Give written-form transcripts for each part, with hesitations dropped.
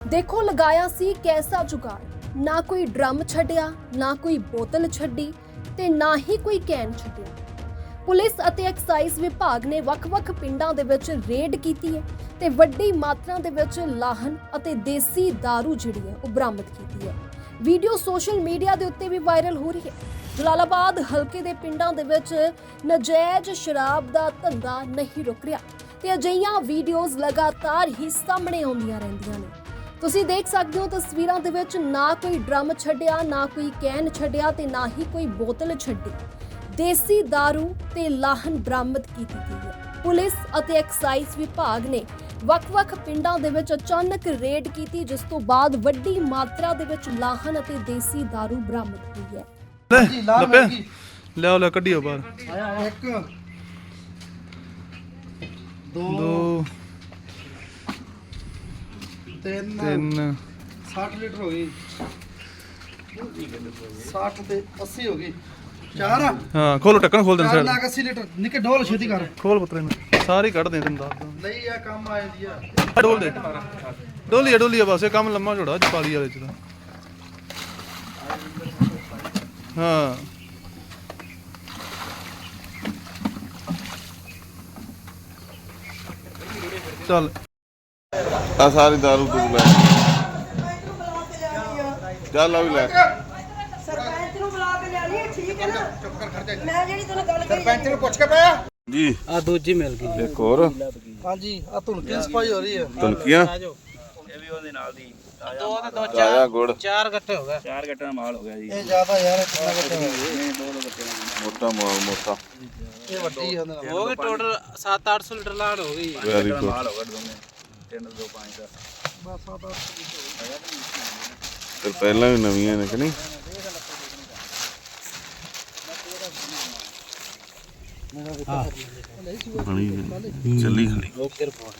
देखो लगाया सी कैसा जुगाड़, ना कोई ड्रम छड्डिया, ना कोई बोतल छड्डी ते ना ही कोई कैन छड्डिया। ਪੁਲਿਸ ਅਤੇ ਐਕਸਾਈਜ਼ ਵਿਭਾਗ ਨੇ ਵੱਖ-ਵੱਖ ਪਿੰਡਾਂ ਦੇ ਵਿੱਚ ਰੇਡ ਕੀਤੀ ਹੈ ਤੇ ਵੱਡੀ ਮਾਤਰਾ ਦੇ ਵਿੱਚ ਲਾਹਨ ਅਤੇ ਦੇਸੀ ਦਾਰੂ ਜਿਹੜੀ ਹੈ ਉਹ ਬਰਾਮਦ ਕੀਤੀ ਹੈ। ਵੀਡੀਓ ਸੋਸ਼ਲ ਮੀਡੀਆ ਦੇ ਉੱਤੇ ਵੀ ਵਾਇਰਲ ਹੋ ਰਹੀ ਹੈ। ਜਲਾਲਾਬਾਦ ਹਲਕੇ ਦੇ ਪਿੰਡਾਂ ਦੇ ਵਿੱਚ ਨਜਾਇਜ਼ ਸ਼ਰਾਬ ਦਾ ਧੰਦਾ ਨਹੀਂ ਰੁਕ ਰਿਹਾ ਤੇ ਅਜਿਹੀਆਂ ਵੀਡੀਓਜ਼ ਲਗਾਤਾਰ ਹੀ ਸਾਹਮਣੇ ਆਉਂਦੀਆਂ ਰਹਿੰਦੀਆਂ ਨੇ। ਤੁਸੀਂ ਦੇਖ ਸਕਦੇ ਹੋ ਤਸਵੀਰਾਂ ਦੇ ਵਿੱਚ ਨਾ ਕੋਈ ਡਰਮ ਛੱਡਿਆ, ਨਾ ਕੋਈ ਕੈਨ ਛੱਡਿਆ ਤੇ ਨਾ ਹੀ ਕੋਈ ਬੋਤਲ ਛੱਡੀ। ਦੇਸੀ ਦਾਰੂ ਤੇ ਲਾਹਨ ਬਰਾਮਦ ਕੀਤੀ ਗਈ ਹੈ। ਪੁਲਿਸ ਅਤੇ ਐਕਸਾਈਜ਼ ਵਿਭਾਗ ਨੇ ਵੱਖ-ਵੱਖ ਪਿੰਡਾਂ ਦੇ ਵਿੱਚ ਅਚਾਨਕ ਰੇਡ ਕੀਤੀ, ਜਿਸ ਤੋਂ ਬਾਅਦ ਵੱਡੀ ਮਾਤਰਾ ਦੇ ਵਿੱਚ ਲਾਹਨ ਅਤੇ ਦੇਸੀ ਦਾਰੂ ਬਰਾਮਦ ਹੋਈ ਹੈ। ਲੈ ਕੱਢਿਓ ਬਾਹਰ। 1 2 3 60 ਲੀਟਰ ਹੋ ਗਈ, 60 ਤੇ 80 ਹੋ ਗਈ, 4 ਹਾਂ ਖੋਲੋ, ਢੱਕਣ ਖੋਲ ਦੇ ਚਾਰ ਸਾਈਡ ਲੱਖ 80 ਲੀਟਰ ਨਿੱਕੇ ਡੋਲ ਛੇਤੀ ਕਰ ਖੋਲ ਪੁੱਤਰੇ ਨੂੰ ਸਾਰੇ ਕੱਢ ਦੇ ਤੈਨੂੰ ਦੱਸ ਲਈ ਆ ਕੰਮ ਆ ਜਾਂਦੀ ਆ। ਡੋਲ ਦੇ ਡੋਲੀ ਬਸ ਇਹ ਕੰਮ ਲੰਮਾ ਝੋੜਾ ਜਪਾਲੀ ਵਾਲੇ ਚ ਤਾਂ। ਹਾਂ ਚੱਲ ਆ ਸਾਰੀ ਦਾਰੂ ਤੂੰ ਲੈ ਚੱਲ ਆ ਵੀ ਲੈ। ਸਰਪੰਚ ਨੂੰ ਬੁਲਾ ਕੇ ਲੈ ਲਈ, ਠੀਕ ਹੈ ਨਾ? ਮੈਂ ਜਿਹੜੀ ਤੁਹਾਨੂੰ ਗੱਲ ਕਰੀ ਸਰਪੰਚ ਨੂੰ ਪੁੱਛ ਕੇ ਪਿਆ ਜੀ ਆ ਦੂਜੀ ਮਿਲ ਗਈ ਇੱਕ ਹੋਰ ਹਾਂਜੀ। ਆ ਧੁਨਕੀ ਸਫਾਈ ਹੋ ਰਹੀ ਹੈ। ਤੁਲਕੀਆਂ ਇਹ ਵੀ ਉਹਦੇ ਨਾਲ ਦੀ ਦੋ ਤੇ ਦੋ ਆਇਆ ਗੁੜ ਚਾਰ ਗੱਟੇ ਹੋ ਗਏ, ਚਾਰ ਗੱਟੇ ਦਾ ਮਾਲ ਹੋ ਗਿਆ ਜੀ। ਇਹ ਜ਼ਿਆਦਾ ਯਾਰ ਕਿੰਨਾ ਘਟਿਆ ਮੋਟਾ ਮਾਲ ਮੋਟਾ ਇਹ ਵੱਡੀ ਹੈ ਉਹਦੇ ਨਾਲ। ਹੋ ਗਏ ਟੋਟਲ 700-800 ਲੀਟਰ ਲਾੜ ਹੋ ਗਈ। Very good. ਮਾਲ ਹੋ ਗਿਆ ਦੋਨੇ 3 2 5 ਦਾ। ਫਿਰ ਪਹਿਲਾਂ ਵੀ ਨਵੀਆਂ ਨੇ ਕਿ ਨਹੀਂ? ਚੱਲੀ ਖੜੀ ਓਕੇ ਰਿਪੋਰਟ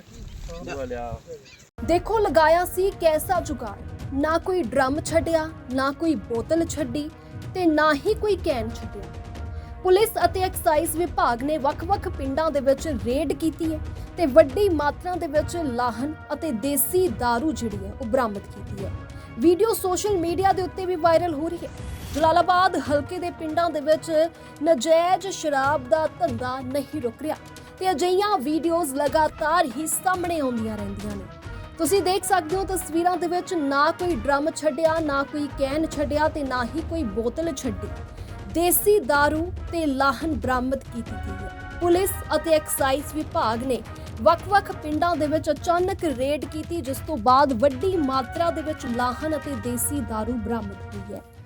ਦੇਖੋ लगाया सी कैसा जुगाड़, ना कोई ड्रम छड्डिया, ना कोई बोतल छड्डी ਤੇ ਨਾ ਹੀ ਕੋਈ ਕੈਨ ਛੱਡਿਆ। ਪੁਲਿਸ ਅਤੇ ਐਕਸਾਈਜ਼ ਵਿਭਾਗ ਨੇ ਵੱਖ-ਵੱਖ ਪਿੰਡਾਂ ਦੇ ਵਿੱਚ ਰੇਡ ਕੀਤੀ ਹੈ ਤੇ ਵੱਡੀ ਮਾਤਰਾ ਦੇ ਵਿੱਚ ਲਾਹਨ ਅਤੇ ਦੇਸੀ ਦਾਰੂ ਜਿਹੜੀ ਹੈ ਉਹ ਬਰਾਮਦ ਕੀਤੀ ਹੈ। ਵੀਡੀਓ ਸੋਸ਼ਲ ਮੀਡੀਆ ਦੇ ਉੱਤੇ ਵੀ ਵਾਇਰਲ ਹੋ ਰਹੀ ਹੈ। ਜਲਾਲਾਬਾਦ ਹਲਕੇ ਦੇ ਪਿੰਡਾਂ ਦੇ ਵਿੱਚ ਨਜਾਇਜ਼ ਸ਼ਰਾਬ ਦਾ ਧੰਦਾ ਨਹੀਂ ਰੁਕ ਰਿਹਾ ਤੇ ਅਜਿਹੀਆਂ ਵੀਡੀਓਜ਼ ਲਗਾਤਾਰ ਹੀ ਸਾਹਮਣੇ ਆਉਂਦੀਆਂ ਰਹਿੰਦੀਆਂ ਨੇ। ਤੁਸੀਂ ਦੇਖ ਸਕਦੇ ਹੋ ਤਸਵੀਰਾਂ ਦੇ ਵਿੱਚ ਨਾ ਕੋਈ ਡਰਮ ਛੱਡਿਆ, ਨਾ ਕੋਈ ਕੈਨ ਛੱਡਿਆ ਤੇ ਨਾ ਹੀ ਕੋਈ ਬੋਤਲ ਛੱਡੀ। ਦੇਸੀ ਦਾਰੂ ਤੇ ਲਾਹਨ ਬਰਾਮਦ ਕੀਤੀ ਗਈ ਹੈ। ਪੁਲਿਸ ਅਤੇ ਐਕਸਾਈਜ਼ ਵਿਭਾਗ ਨੇ ਵੱਖ-ਵੱਖ ਪਿੰਡਾਂ ਦੇ ਵਿੱਚ ਅਚਾਨਕ ਰੇਡ ਕੀਤੀ, ਜਿਸ ਤੋਂ ਬਾਅਦ ਵੱਡੀ ਮਾਤਰਾ ਦੇ ਵਿੱਚ ਲਾਹਨ ਅਤੇ ਦੇਸੀ ਦਾਰੂ ਬਰਾਮਦ ਹੋਈ ਹੈ।